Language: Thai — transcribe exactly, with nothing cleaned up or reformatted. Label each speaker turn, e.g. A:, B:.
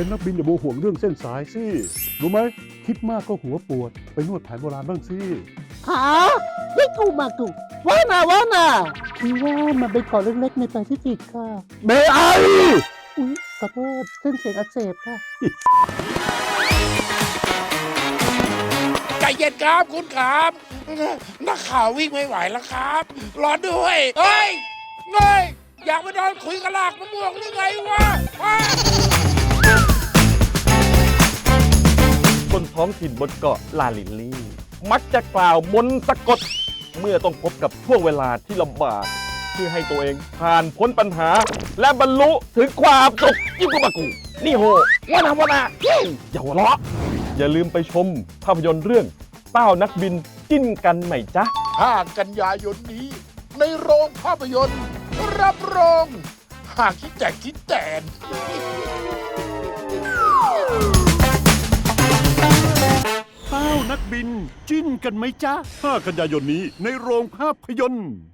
A: เป็นนักบินอย่าโมห่วงเรื่องเส้นสายสิรู้ไหมคิดมากก็หัวปวดไปนวดแผนโบราณบ้างสิ
B: หาไม่กูมากูว่าน่ะว่าน่ะคือว่ามันเป็นเกาะเล็กๆในแปซิฟิกค่ะ
A: เมไอ
B: อุ๊ยขอโทษเส้นเสียงอักเสบค่ะ
C: ใจเย็นครับคุณครับนักข่าววิ่งไม่ไหวแล้วครับ รอด้วยเฮ้ยเงยอยากไปนอนคุยกับลากมะม่วงหรือไงวะฮะ
D: คนท้องถิ่นบนเกาะลาลินลี่ มักจะกล่าวมนต์สะกด เมื่อต้องพบกับช่วงเวลาที่ลำบาก เพื่อให้ตัวเองผ่านพ้นปัญหา และบรรลุถึงความสุขยิ่งกว่ากู นี่โหวานาวนาวอย่าหัวเราะ อย่าลืมไปชมภาพยนตร์เรื่องเต้านักบินจิ้นกันไหมจ๊ะ
C: ห้ากันยายนนี้ ในโรงภาพยนตร์ รับรองหากคิดแจกคิดแตน
A: เต้านักบินจิ้นกันไหมจ๊ะห้ากันยายนนี้ในโรงภาพยนตร์